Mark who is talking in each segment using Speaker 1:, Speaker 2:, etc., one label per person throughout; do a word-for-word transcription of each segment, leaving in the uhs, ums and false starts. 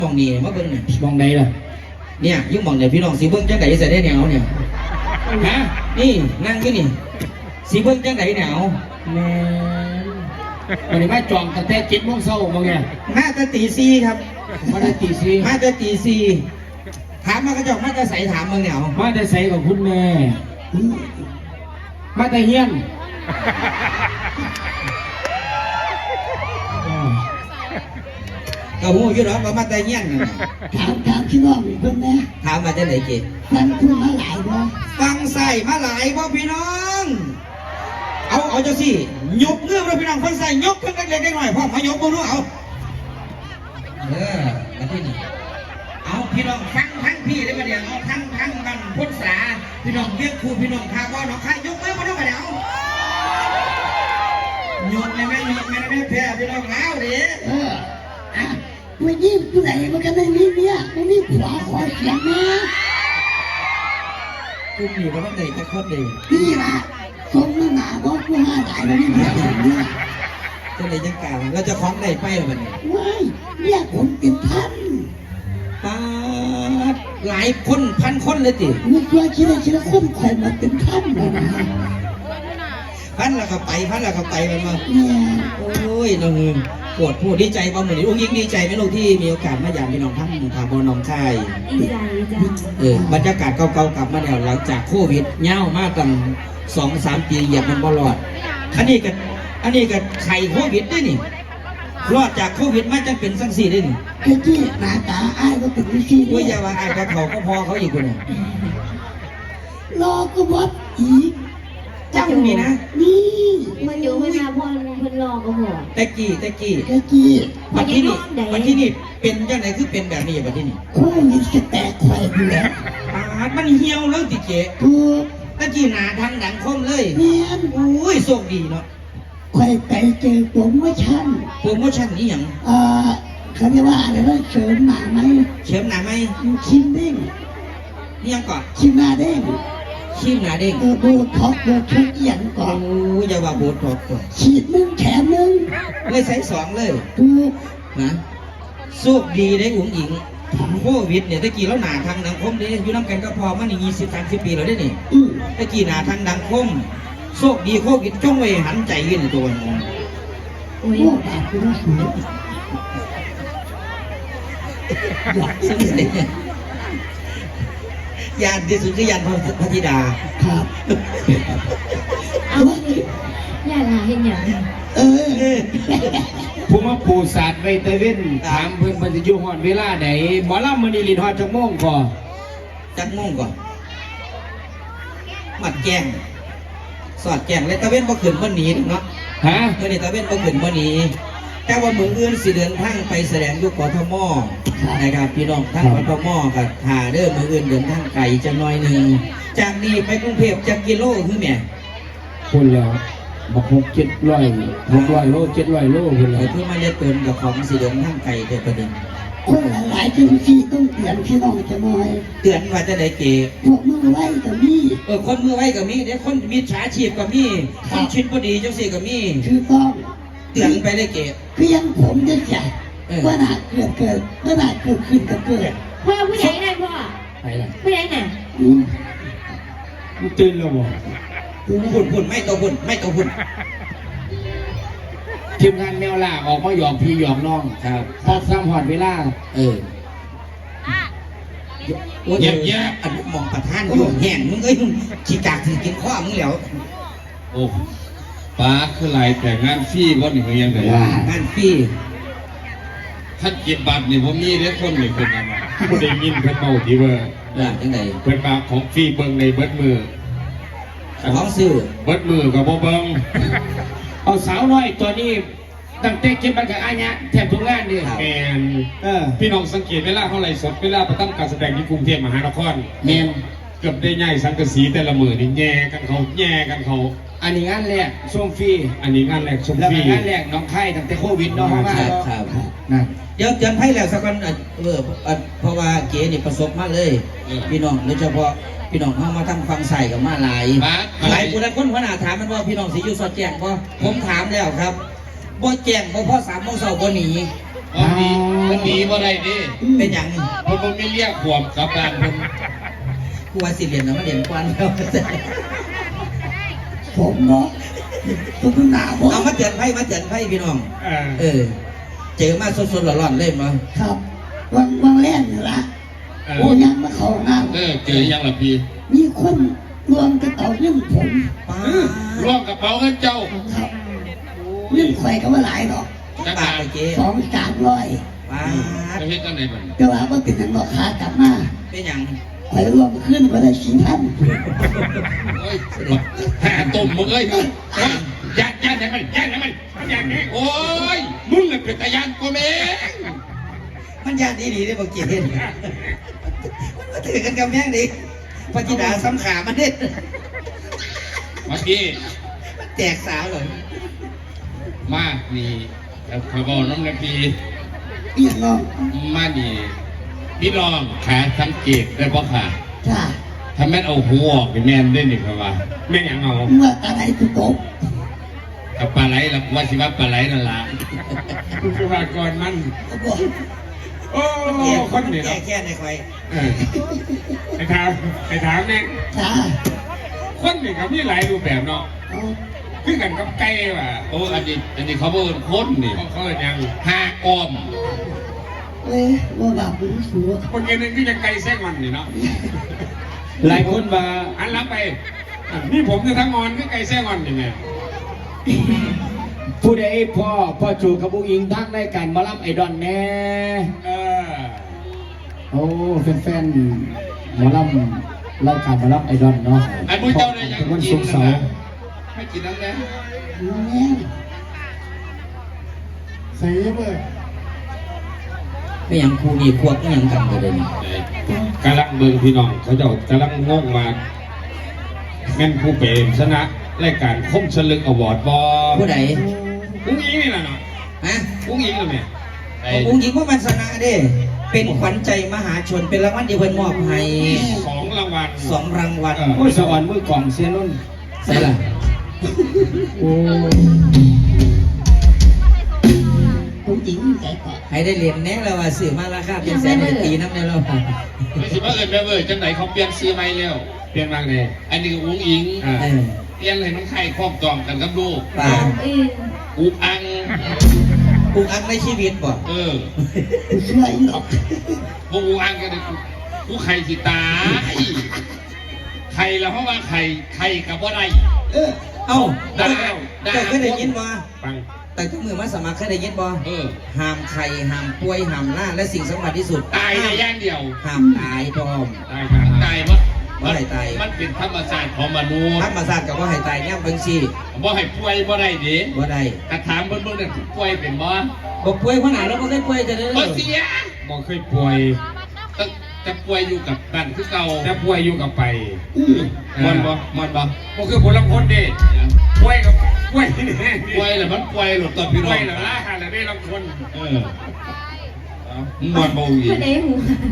Speaker 1: มองนี่มาเบิ้งเนี่ย
Speaker 2: มองใดล่ะ
Speaker 1: เนี่ยยุ่งมองเนี่ยพี่น้องสีเบิ้งจังไดใส่ได้แนวเนี่ย
Speaker 2: ฮะ
Speaker 1: นี่นั่งอยู่นี่สีเบิ้งจังไดแนว
Speaker 2: แม่วันนี้มาจองตั้งแต่เจ็ดโมงเช้าบางไง
Speaker 1: มาแต่ตีสี่ครับ
Speaker 2: มาแต่ตีสี่
Speaker 1: มาแต่ตีสี่ถามมากระจกมาแต่ใส่ถามมึงเนี่ย
Speaker 2: มาแต่ใส่กับคุณแม่มาแต่เฮียน
Speaker 1: กระหูอยู่หรอว่ามาแต่เฮียน
Speaker 3: ถามถามพี่น้องเพิ่นนะ
Speaker 1: ถามมาจะไหนเกศ
Speaker 3: ฟังคุณมาหลายบ่
Speaker 1: ฟังใส่มาหลายบ่พี่น้องเอาเอาเจ้าสิยกเงื่อนเราพี่น้องฟังใส่ยกเพิ่งเล็กๆหน่อยพ่อมายกมือรู้เอาเออมาที่นี่เอาพี่น้องฟังทั้งพี่ได้มาเดี๋ยวเอาทั้งทั้งมันพุทธาพี่น้องเรียกครูพี่น้องทาว่าน้องใครยกมือมาด้วยมาเดี๋ยวยกเลยแม่ยกแม่แม่แพ้พี่น้องเอาดิ
Speaker 3: เอออ่ะวันนี้ผู้ใดมันก็ได้มีเมียมันมีผัวขอเสียงนะ
Speaker 1: กูมีก็ต้องเด็กจะครบเลย
Speaker 3: นี่ล่ะสมน้ำหนาบอกผู้ห้าตายแล้วนี่เมียผมเนี่ย
Speaker 1: จะเลยยังกล่าวเราจะคล้องได้ไปหรือเปล่า
Speaker 3: ว้ายเนี่ยผมเป็นพัน
Speaker 1: ปาดหลายคนพันคนเลยติ
Speaker 3: มีตัวคิดอะไรคิดละคนคอยมาเป็นพันเลยนะ
Speaker 1: พันแล้วก็ไปพันแล้วก็ไปมันมา
Speaker 3: เนี่ย
Speaker 1: โอ้ยน้องเงินปวดพูดดีใจบ้างเหมือนองค์ยิ่งดีใจไหมลูกที่มีโอกาสมาอย่างพี่น้องทั้งถาบน้องชาย
Speaker 4: ดีใจจ้ะ
Speaker 1: เออบรรยากาศเก่าๆกลับมาแล้วหลังจากโควิดเน่ามากตั้งสองสามปีเหยียบมันบอลอดอันนี้ก็อันนี้ก็ไข่โควิดได้นี่รอดจากโควิดมาจังเป็นสังสีได้นี่
Speaker 3: ไอ้ที่หน้าตาอ้ายก็เป็นวิธี
Speaker 1: ว่าอย่าว่าอ้ายกับเขาก็พอเขาอีกคนนึง
Speaker 3: รอก็วัดอีก
Speaker 1: เจ้ามีนะ
Speaker 3: นี่
Speaker 4: มันอยู่เวลาพอนเพิ่นรอก็หัว
Speaker 1: ตะกี้ตะกี้
Speaker 3: ตะกี้
Speaker 1: บัดที่นี่บัดที่นี่เป็นยังไงคือเป็นแบบนี้บัดที่นี่
Speaker 3: โค้งมันจะแตกไข่อยู่แล้ว
Speaker 1: อามันเหี่ยวแล้วติเจ
Speaker 3: ถูก
Speaker 1: ตะกี้หนาทางหนังคมเลย
Speaker 3: เนียน
Speaker 1: โอ้ยโชคดีเนาะ
Speaker 3: ไข่ไก่เจอโปรโมชั่น
Speaker 1: โปรโมชั่นนี่อย่าง
Speaker 3: อ่าเขาเรียกว่าอะไรว่าเสริมหนาไหม
Speaker 1: เสริมหนาไหม
Speaker 3: ชิมเด้ง
Speaker 1: นี่ยังก่อน
Speaker 3: ชิมหนาเด้ง
Speaker 1: ชิมหนาเด้ง
Speaker 3: เออโบท็อกโบทุกอย่างก่อน
Speaker 1: โอ้ยอย่าว่าโบท็อกก่อน
Speaker 3: ฉีดหนึ่งแถมหนึ่ง
Speaker 1: เลยใส่สองเลย
Speaker 3: ถูก
Speaker 1: นะโชคดีได้อุ๋งอิงโควิดเนี่ยตะกี้แล้วหนาทางหนังคมเนี่ยอยู่น้ำกันก็พอมาในยี่สิบสามสิบปีแล้วได้นี่ตะกี้หนาทางหนังคมโชคดีโควิดจ้องไว้หันใจยืนตัวนึง
Speaker 3: โอ้ยแบบคุณสวย
Speaker 1: อยากสนิทยานที่สุดคือยานพระธิดา
Speaker 3: ครับ
Speaker 4: เอาอย่าลาเห็นอย่าง
Speaker 3: เออ
Speaker 2: ผู้มาปูศาสตร์ไวตาเว้นถามเพื่อนเพื่อนจะอยู่หอดเวลาไหนหมอลำมันนี่ลินหอดจักโมงก่อน
Speaker 1: จักโมงก่อนมัดแกงสอดแกงเลยตะเว้นบ่ขึ้นบ่หนีเนาะ
Speaker 2: ฮะ
Speaker 1: เมื่อนี้ตะเว้นบ่ขึ้นบ่หนีแต่ว่ามืออื่นสิเดินทางไปแสดงยุคกทมนะครับพี่น้องทั้งกทมกับหาเด้อมืออื่นเดินทางไกลจะน้อยหนึ่งจากนี้ไปกรุงเทพจากกิโลคือแม่
Speaker 2: คนแล้วบอกหกเจ็ดร้อยหกร้อยโลเจ็ดร้อยโลคนแล้ว
Speaker 1: เพื่อมาเลี้ยงเติมกับของสิเดินทางไกลแต่ประเด็น
Speaker 3: คนหลายที่ที่ต้องเตือนพี่น้องจะน้อย
Speaker 1: เตือนว่าจะได้เก๋
Speaker 3: พวกมือไว้กับมี
Speaker 1: เออคนมือไว้กับมีเดี๋ยวคนมีฉาชีพกับมีคนชิดพอดีจังสิกับมี
Speaker 3: คือต้อง
Speaker 1: เตือนไปได้เก๋
Speaker 3: เพียงผมจะใส่ว่าหนาเกิดเกิดว่าหนาเกิดขึ้นก็เกิด
Speaker 4: พ่อผู้ใหญ่ไหนพ่อ
Speaker 1: ไปละ
Speaker 4: ผู้ใหญ่ไหน
Speaker 2: ตื่นแล้วบ่
Speaker 1: หุ่นหุ่นไม่ตัวหุ่นไม่ตัวหุ่น
Speaker 2: ทีมงานแมวล่าออกมาหยอกพี่หยอกน้อง
Speaker 1: ครับ
Speaker 2: พอซ้ำหอดเวลา
Speaker 1: เออเยี่ยมเยี่ยมอันมองประธานอยู่แห้งมึงเอ้ยฉีกจากถือกินข้อมึงแล้ว
Speaker 5: โอ้ป้าคือไรแต่งานฟรีบ่นี่เขายังไง
Speaker 1: งานฟรี
Speaker 5: ท่านกินบัตรนี่ผมมีเด็กคนหนึ่งเป็นอะไรผู้ได้ยินเพิ่นเมาที่ว่า
Speaker 1: ยังไง
Speaker 5: เพิ่นมาของฟรีเบิ้งในเบิดมือ
Speaker 1: ของซื้อ
Speaker 5: เบิดมือกับบ่เบิ้ง
Speaker 2: เอาสาวน้อยตัวนี้ตั้งแต่เก็บมันกับอาญะแทบทุกงานดิ
Speaker 5: แมนพี่น้องสังเกตเวลาเท่าไรสดเวลาประทับการแสดงที่กรุงเทพมหานคร
Speaker 2: แมน
Speaker 5: เกือบได้ง่ายสังกะสีแต่ละมือนี่แย่กันเขาแย่กันเขา
Speaker 2: อันนี้งานแรกส้มฟรี
Speaker 5: อันนี้งานแรกส้มฟรี
Speaker 2: งานแรกน้องไข่ตั้งแต่โควิดน้องมา
Speaker 1: ครับครับนะเดี๋ยวเตือนไพ่แล้วสักวันเออเพราะว่าเก๋นี่ประสบมาเลยพี่น้องโดยเฉพาะพี่น้องเข้ามาทำฟังใส่กับมาหลายหลายคนคนขนาดถามมันว่าพี่น้องสิอยู่สอดแจ้งเพราะผมถามแล้วครับบ่แจ้งเพราะพ่อสามโมงเช้าบ่หนี
Speaker 5: วันนี้วันนี้บ่ได้ดิ
Speaker 1: เป็นอย่างนี้
Speaker 5: เพราะมันไม่เรียกขวบกับการมัน
Speaker 1: กูว่าสิเรียนนะมาเรียนกวนแล้ว
Speaker 3: ผมเนาะตัวหนาบ่
Speaker 1: เอามาเตือนไพ่มาเตือนไพ่พี่น้อง
Speaker 2: เออ
Speaker 1: เออ เจอมาสดๆร้อนๆเลยมั้ง
Speaker 3: ครับวังวังแรกนี่ละโอ้ยังมาเข้าน้
Speaker 5: เออเจอยังล่ะพี่
Speaker 3: ำมีคนรวมกระเป๋าเรื่องผม
Speaker 1: ป้า
Speaker 5: ร่วมกระเป๋าเงินเจ้า
Speaker 3: ครับเรื่องข่อยก็ว่าหลายดอก
Speaker 5: จัก
Speaker 1: ปา
Speaker 5: บาก ท
Speaker 1: ไปเจ๊
Speaker 3: สองสามร้อย
Speaker 1: ป้า
Speaker 5: จะเฮ็ดจังไดบัดนี้
Speaker 3: แต่ว่าว่าเป็นทางดอกขากลับมา
Speaker 1: เป็นอย่าง
Speaker 3: ข่อยรวมขึ้นก็ได้สี่พัน
Speaker 5: โอ้ยแห่ตุ่มมึงเอ้ยยัดยัดให้มันยัดให้มันยัดให้โอ้ยมึงน่ะเป็นตายันกูแม่ง
Speaker 1: มันยากดีๆได้บอกเจ๊เห็นมันมาถือกันกำแพงดิพระธิดาซ้ำขามันเด็ด
Speaker 5: เมื่อกี้
Speaker 1: มันแตกสาวเลย
Speaker 5: มานี่แต่ขอยบอกน้องนาปี
Speaker 3: เอียงน้อง
Speaker 5: มานี่พี่น้องขาสังเกตได้ปะค่ะ
Speaker 3: จ้า
Speaker 5: ถ้าแม่นเอาหัวออกนี่แม่นได้นี่ครับว่าแม่นหยังเอา
Speaker 3: เมื่อตาไหนตุกตก
Speaker 5: กับปลาไหลล่ะว่าสิว่าปลาไหลนั่นล่ะ
Speaker 2: คือว่าก่อนมัน
Speaker 3: ก็บอก
Speaker 2: โอ้
Speaker 1: แก่
Speaker 2: คนนี่
Speaker 1: แก่
Speaker 2: เนาะ
Speaker 1: แค่ในใคร
Speaker 2: เออไปถามไปถามเนี่ย
Speaker 3: จ้า
Speaker 2: คนนี่ก็มีหลายรูปแบบเนาะ
Speaker 3: เอา
Speaker 2: คือกันกับไก่ว่ะ
Speaker 5: โอ้อันนี้อันนี้เขาเบิ่นคนนี่
Speaker 2: เขาเขาเอิ้นหยัง
Speaker 5: ห้ากอม
Speaker 3: เอ้ยว่าบาปเป็นสัว
Speaker 2: คนกันนึงคือจะไก่แซงมันนี่เนาะ
Speaker 6: หลายคนว่า
Speaker 2: อันรับไปอ่ะนี่ผมจะทั้งงอนคือไก่แซงมันนี่ไง
Speaker 6: ผู้ใดพ่อพ่อจูกับบุอิงทักได้การมารับไอดอนแน่
Speaker 2: เออ
Speaker 6: โอ้แฟนๆหมารับรายการมารับไอดอนเนาะ
Speaker 5: อันผู้เจ้าได้ยัง
Speaker 6: ทุกวัน
Speaker 5: กิ
Speaker 6: ศุ
Speaker 5: น
Speaker 6: กร์
Speaker 5: นะ
Speaker 6: เสาร์
Speaker 5: ให้กินน้ำแน่
Speaker 3: แม่
Speaker 2: ใส่เบอร์
Speaker 1: ไม่อย่างครูนี่พวกไม่อย่างกันเลยนี่
Speaker 5: กำลังเบิ่งพี่น้องเขาเจ้ากำลังงงมาแม่นผู้เป็นชนะรายการคมฉลึกอวอร์ดบอ
Speaker 1: ผู้ใด
Speaker 2: อุ้งอิงนี่แหละเนาะ
Speaker 1: ฮะ
Speaker 2: อุ้งอิงเลยแม่ไอ้
Speaker 1: องค์หญิงพวกมันชนะเด้ เป็นขวัญใจมหาชนเป็นรางวัลที่เพิ่นมอบให้
Speaker 2: สองรางวัล
Speaker 1: สองรางวัล
Speaker 6: โอ้ยสวรรค์มือกล่องเสียนุ่น
Speaker 1: ใช่ล่ะ
Speaker 6: โอ้
Speaker 3: ผมจริงใจก่อน
Speaker 1: ให้ได้เรียนแน่แล้วว่าซื้อมาราคาเป็นแสนเป็นปีน้ำในเรา
Speaker 5: ไม่ใช่ว่าเอิญแม่เว้ยจังไหนเขาเปลี่ยนซีใหม่แล้ว
Speaker 2: เปลี่ยนมากเลย
Speaker 5: อันนี้ก็อุ้งอิง
Speaker 2: อ่า
Speaker 1: เออ
Speaker 5: เปลี่ยนให้น้องไข่ครอบจองกันกับลูก
Speaker 1: ป่า
Speaker 4: อื่น
Speaker 5: อุกอัง
Speaker 1: ปลูกอังในชีวิตบ่
Speaker 5: เออ
Speaker 3: กูเชื่ออีหรอก
Speaker 5: พวกอุกอังกันเลยกูไข่สิตายไข่แล้วเพราะว่าไข่ไข่กับว่าไร
Speaker 3: เออ
Speaker 1: เอ้า
Speaker 5: ได้
Speaker 1: เจ้าเจ้าเคยได้ยินบ่
Speaker 2: ฟัง
Speaker 1: แต่ทุกมือมาสมัครเคยได้ยินบ่
Speaker 5: เออ
Speaker 1: ห้ามไข่ห้ามป่วยห้ามล่าและสิ่งสำคัญที่สุด
Speaker 5: ตายในย่างเดียว
Speaker 1: ห้ามตายพร้อม
Speaker 2: ได้ครับ
Speaker 5: ตายมั้
Speaker 1: บ่ให้ตาย
Speaker 5: มันเป็นธรรมชาติของมนุษย์
Speaker 1: ธรรมศาสตร์กับว่าให้ตายย่ำเบิ่งซี่
Speaker 5: บ่ให้ป่วยบ่ได้เด้
Speaker 1: บ่ได้
Speaker 5: กระถามเบิ่งเบิ่งนั่นป่วยเป็นบ่
Speaker 1: บ่ป่วยขนาดเราบ่เคยป่วยจะได้
Speaker 5: บ่เสีย
Speaker 2: บอกเคยป่วย
Speaker 5: จะจะป่วยอยู่กับบ้านคือเก่า
Speaker 2: แต่ป่วยอยู่กับไป
Speaker 5: มันบ่มันบ่
Speaker 2: ก็คือผลลัพธ์เด็ป่วยกับป่วยนี่แน่
Speaker 5: ป่วยแล้วมันป่วยหลดตอนพี่น้
Speaker 2: ป่
Speaker 5: อ
Speaker 2: วย
Speaker 5: ง
Speaker 2: แล้วล่ะค่ะแล้วได้รับคน
Speaker 5: เออเอามึงนอนบ่อีก
Speaker 4: ผู้ใดหู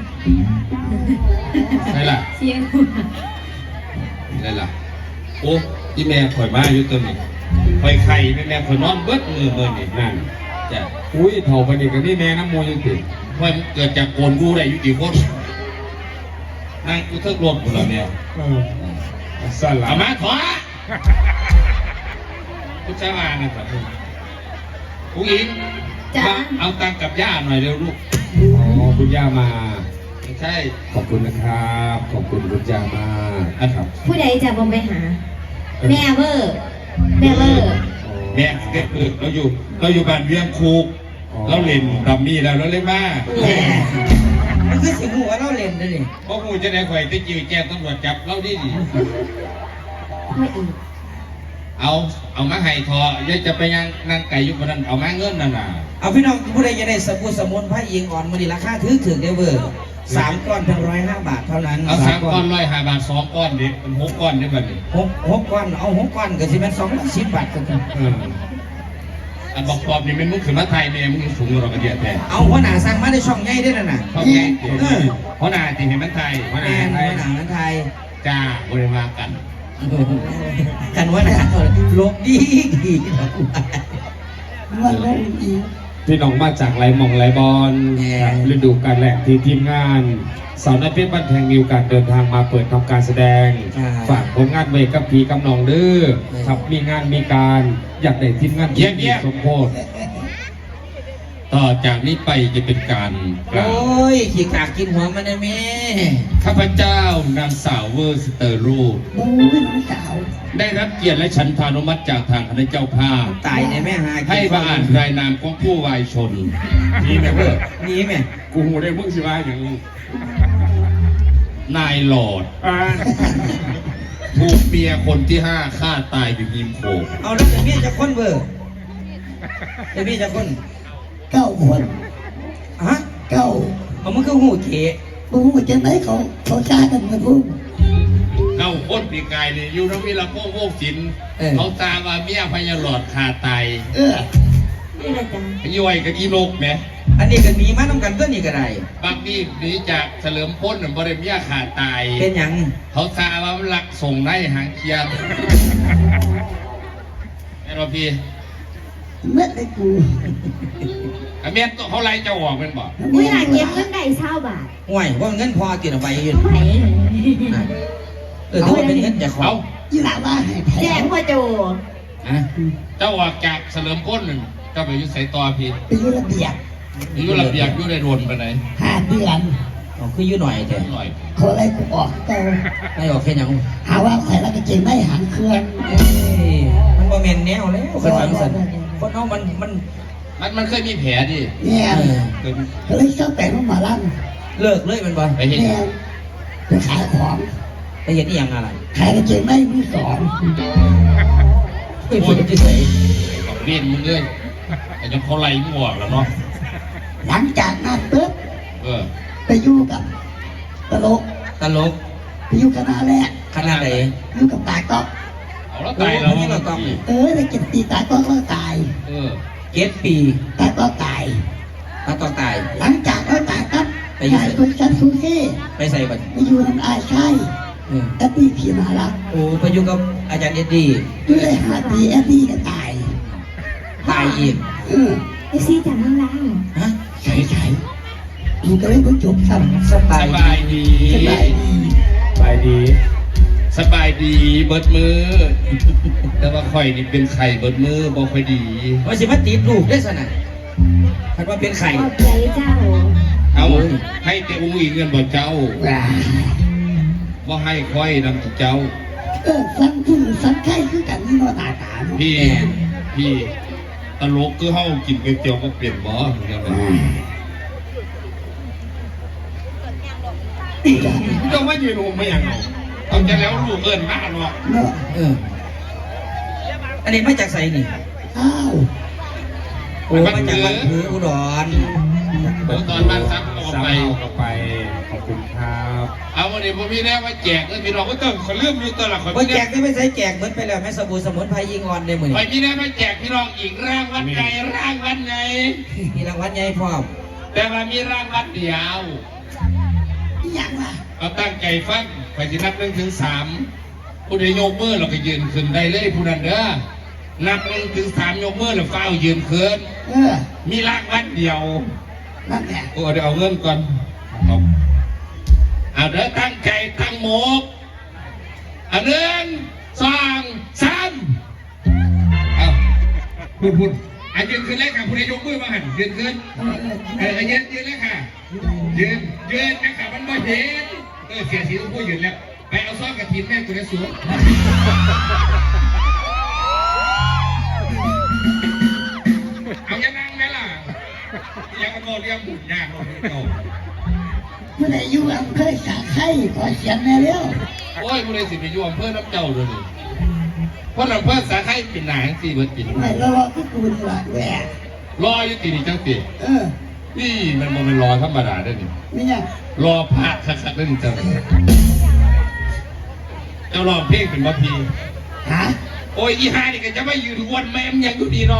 Speaker 5: ใช่ล่ะ
Speaker 4: เสียงหู
Speaker 5: ใช่ล่ะโอ้ที่แม่ข่อยมาอยู่ตัวนี้ข่อยไข่แม่แม่ข่อยนอนเบิดมือเบิ่นี่นั่นจ้ะ
Speaker 2: อุ้ยเถ่าไปนี่ก็นี่แม่น้ำมูยังติด
Speaker 5: ข่อยเกิดจากโกนกูได้อยู่กี่คนนั่งกูเทิกรถกูแล้วเนี่ย
Speaker 2: เออสั่นละ
Speaker 5: เอามาถอยกูจะมานะครับผู้หญิง
Speaker 4: จ้า
Speaker 5: มาเอาตังค์กับย่าหน่อยเร็วลูก
Speaker 2: อ๋อคุณย่ามา
Speaker 5: ไม่ใช่
Speaker 2: ขอบคุณนะครับ ขอบคุณคุณย่ามานะครับ
Speaker 4: ผู้ใดจะบอมไปหา แม่เวอร์แม่เวอร์
Speaker 5: แม่เด็กคือเราอยู่เราอยู่บ้านเวียงคูกเราเล่นดัมมี่แล้วเราเล่นมา
Speaker 1: แหมมันคือสิหัวเราเล่นนั่นนี่
Speaker 5: เพราะกูจะได้ข่อยจะจิ้วแจ้งตำรวจจับเราดิ
Speaker 4: ไม่อีก
Speaker 5: เอาเอามาให้ทออย่าจะไปยังนั่งไก่อยู่บนนั้นเอามาเงินนั่นน่ะ
Speaker 1: เอาพี่น้องผู้ใดจะได้สบู่สมุนไพรอิงอ่อนมื้อนี้ราคาถือถึงเด้อเวอร์สามก้อนเพียงร้อยห้าบาทเท่านั้น
Speaker 5: เอาสามก้อนร้อยห้าบาทสองก้อนเด็กเป็นหกก้อนได้บัดนี้
Speaker 1: หกหกก้อนเอาหกก้อนก็สิเป็นสองร้อยสิบบาทกัน
Speaker 2: เออ
Speaker 5: อันบอกปอบนี่มันมึงขึ้นมาไทยเนี่ยมึงสูงกว่าเรากระเดียดแท้
Speaker 1: เอาหัวหน้าสั่งมาได้ช่องใหญ่ได้นั่นน่ะ
Speaker 5: เขาแย่เดี๋ยวเพราะนาที่เห็นมันไทยเพราะ
Speaker 1: แม
Speaker 5: นาน
Speaker 1: หัวหน้านั้นไทย
Speaker 5: จ้าบริมากัน
Speaker 1: กันหัวหน้าลบดีดี
Speaker 3: ว่าแล้วอีก
Speaker 1: เ
Speaker 2: พี่น้องมาจากไหลหมองไหลบอลครับฤดูกาลแรกที่ทีมงานสาวน้อยเพชรบ้านแพงมีโอกาสเดินทางมาเปิดทำการแสดงฝากผลงานไว้กับพี่กับน้องเด้อครับมีงานมีการอยากได้ทีมงานที่มีสมโพธิ
Speaker 5: ต่อจากนี้ไปจะเป็นการกล่าว
Speaker 1: โอ้ยขี้กากกินหัวมันนะแม่
Speaker 5: ข้าพเจ้านางสาวเวอร์สเตอร์รูด
Speaker 3: โอ้ยน้องสาว
Speaker 5: ได้รับเกียรติและฉันทานุมัติจากทางคณะเจ้าภาพ
Speaker 1: ตายในแม่หากิน
Speaker 5: ให้มาอ่านรายนามของผู้วายชน
Speaker 2: นี่แม่เพื่อ
Speaker 1: นี่แม่
Speaker 2: กูหูได้มึงสิว่าอย่างนี้
Speaker 5: นายหลอด
Speaker 2: อ่า
Speaker 5: ถูกเมียคนที่ห้าฆ่าตายอยู่ริมโขง
Speaker 1: เอาแล้วจะมีจะคนเบอร์จะมีจะคน
Speaker 3: เก้าคน
Speaker 1: ฮะ
Speaker 3: เก้า
Speaker 1: เอามันคือหูเก๋
Speaker 3: บุ้งจะไหนเขาเขาจ้ากันมาบุ้ง
Speaker 5: เอาคนปีกายเนี่ยอยู่ทั้งวิลาโป้งโวกสินเขาตามมาเมียพญาหลอดฆ่าตาย
Speaker 3: เออ
Speaker 4: นี่แหละจ้ะ
Speaker 5: ย่อยกับอีโลกไหม
Speaker 1: อันนี้ก็มีมาต้องกันตัวนี้ก็ได้
Speaker 5: บางทีหนีจากเฉลิมพ้นบริเมียขาดตาย
Speaker 1: เป็นหยัง
Speaker 5: เขาซาว่ามันหลักส่งได้หางเคียมไอ้รอพี่
Speaker 3: เมื่อไอ้กู
Speaker 5: ไอ้เมียตัวเขาไล่เจ้าออกเป็นบ่
Speaker 4: อุ้ยหลานเก็บเงินได้เช่าบาท
Speaker 1: ห่วยว่าเงินพอกินเอาไปยืน
Speaker 4: ไหน
Speaker 1: อ่ะเออถือว่าเป็นเงินจากขอ
Speaker 5: เอา
Speaker 1: ง
Speaker 3: ยี่หล่าว่าให้แพ้
Speaker 4: แจ้งพ่อโจ
Speaker 1: อ่ะ
Speaker 5: เจ้าออกจากเฉลิมพ้นหนึ่งเจ้าไปอยุ่ใส่ต่อพี่
Speaker 3: ไปยุ่ระเบียบ
Speaker 5: อยุ่ระเบียบอยุ่ได้โดนไปไหน
Speaker 3: ห้าเดือน
Speaker 1: เอาคืออยู่หน่อยเถอะ
Speaker 5: หน่อย
Speaker 3: เขาไล่กูออกเตา
Speaker 1: ไม่ออกแค่หยัง
Speaker 3: หาว่าใส่แล้วก็เจงไม่หางเครื่อง
Speaker 1: เอ้ยมันบ่แม่นแนวแล้วคนบางสันคนเอามันมัน
Speaker 5: มันมันเคยมีแผลดิ
Speaker 3: เนี่ย
Speaker 1: เออ
Speaker 5: เคย
Speaker 3: เขาเลยชอบแต่งมาหมาลั่น
Speaker 1: เลิกเลยมันบ่
Speaker 5: ไปเห็น
Speaker 3: เนี่ยไปขายของ
Speaker 1: ไปเห็นอีหยังอะไร
Speaker 3: ขายกระเจงไม่มือสอง
Speaker 1: เฮ้ยพูดจะใส่
Speaker 5: กับเรียนมึงเลยไอ้เจ้าเขาไล่มึงออกแล้วเนาะ
Speaker 3: หลังจากนั้นปุ๊บ
Speaker 5: เออ
Speaker 3: ไปอยู่กับตลก
Speaker 1: ตลก
Speaker 3: ไปอยู่กับนาแรก
Speaker 1: ขนาดไหน
Speaker 3: อยู่กับตาก๊อก
Speaker 5: เอาแล้วตายแล้ว
Speaker 1: โอ้ยเราต้อง
Speaker 3: เออได้กินตีตาก๊อกแล้วตาย
Speaker 5: เออ
Speaker 1: เก็ดปี
Speaker 3: ตาก๊อกตาย
Speaker 1: ถ้าต้องตาย
Speaker 3: หลังจากแล้วตายครับ
Speaker 1: ไปอยู่
Speaker 3: ขายคนชั้นสูงที่
Speaker 1: ไปใส่บัตร
Speaker 3: ไปอยู่น้ำอายใช่
Speaker 1: เออ
Speaker 3: แอปปี้ผีมาลัก
Speaker 1: โอ้ไปอยู่กับอาจารย์เอ็ดดี้
Speaker 3: อยู่ได้หาปีแอปปี้ก็ตาย
Speaker 1: ตายอีก
Speaker 3: เออ
Speaker 4: ไอซีจากข้างล่าง
Speaker 1: ฮะ
Speaker 3: ใช่ใช่ดูก็เลยก็จบซ้ำ
Speaker 1: สบา
Speaker 5: ส
Speaker 1: ย
Speaker 5: บายดี
Speaker 3: สบายดี
Speaker 2: ไปดี
Speaker 5: สบายดีเบิดมือ แต่ว่าข่อยนี่เป็นไข่เบิดมือบ่ค่อยดี
Speaker 1: ว่าสิมาติดลูกได้สนะคันว่าเป็นไข่
Speaker 4: ขอบใจเจ้า
Speaker 5: เอาให้แต่อุ้งอีกเงินบ่เจ้า
Speaker 3: ว้า
Speaker 5: บ่ให้ค่อยนำเจ้า
Speaker 3: เออสั่งผู้สั่งไข่คือกันนี่เนาะตาตาเนาะ
Speaker 5: พี่พี่ตลกคือเฮากินก๋วยเตี๋ยวบ่เปลี่ยนบ่เดี๋ยว
Speaker 3: อ่า
Speaker 5: นี้เจ้ามายืนงงไม่ยังเอาเอาจะแล้วลูกเอิ้นมาเนาะ
Speaker 3: เนาะ
Speaker 1: เออ อันนี้มาจากไสนี่
Speaker 3: อ้าว
Speaker 1: โอ้มาจากบ้านผืออุดร
Speaker 5: เดี๋ยวตอนบ้านซักออก
Speaker 2: สาม
Speaker 5: ไป
Speaker 2: เอากลับไป ขอบคุณครับ
Speaker 5: เอาวันนี้ผมมีแน่มาแจกเลยพี่น้องก็ต้องขอเลื่อมอยู่ตัวละคน
Speaker 1: ว่าแจกได้ไม่ใช่แจกเหมือนไปแล้วแม่สบู่สมุนไพรยิงอ่อนได้เหมือน
Speaker 5: ไปมีแน่มาแจกพี่น้องอีกรางวัลใหญ่รางวัลใหญ่
Speaker 1: มีรางวัลใหญ่พร้อม
Speaker 5: แต่ว่ามีรางวัลเดียว
Speaker 3: อีหยังล่ะ
Speaker 5: เอาตั้งใจฟังไปที่นับหนึ่งถึงสามผู้ใดยกมือเราก็ยืนขึ้นได้เลยผู้นั้นเด้อนับหนึ่งถึงสามยกมือเราเฝ้ายืนขึ้น
Speaker 3: เออ
Speaker 5: มีรางวัลเดียว
Speaker 3: นั่นแหละ
Speaker 5: โอ้เดี๋ยวเอาเงินก่อนเอาเอาเด้อตั้งใจตั้งหมกเอาหนึ่งสองสามเอาพูดพูดอ่ะยืนขึ้นเลยค่ะผู้ใดยกมือมาหันยืนขึ้น
Speaker 3: เออเอ
Speaker 5: เอ
Speaker 3: อ
Speaker 5: อยืนยืนเลยค่ะยืนยืนนะคะมันไม่เห็นเออเสียสีต้องพูดยืนแล้วไปเอาซ้อนกับทีมแม่กูจะสูงเอายังนั่งไหมล่ะยังกระโดดเรียงบุญยากเราโต
Speaker 3: เมื่อไหร่อยู่อำเภอสาไข่ขอเสียงแน่เร็ว
Speaker 5: โอ้ยกูเลยสิไปอยู่อำเภอน้ำเจ้าเลยนี่เพราะอำเภอสาไข่เป็นหนังสี่เบิร์ดปิน
Speaker 3: ไม่รอก็กูนี่ละแหวก
Speaker 5: รออยู่ตีนี่จังตี
Speaker 3: เออ
Speaker 5: นี่มันมันเป็นรอธรรมดาได้นี่
Speaker 3: ไม่ยัง
Speaker 5: รอพระคักๆได้นี่จังเจ้ารอเพลงเป็นบัพพี
Speaker 3: ฮะ
Speaker 5: โอ้ยอีฮานี่ก็จะไม่ยืนวนแม่มยังอยู่ดีเนาะ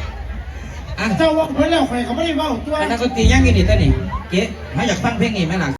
Speaker 1: อ่ะ
Speaker 6: เจ้าว่าเพื่อนแล้วใครเขาไม่ได้ว่าตัว
Speaker 1: อันนักดนตรียังกินนี่ตอนนี้เก๊เขาอยากฟังเพลงนี้ไหมล่ะ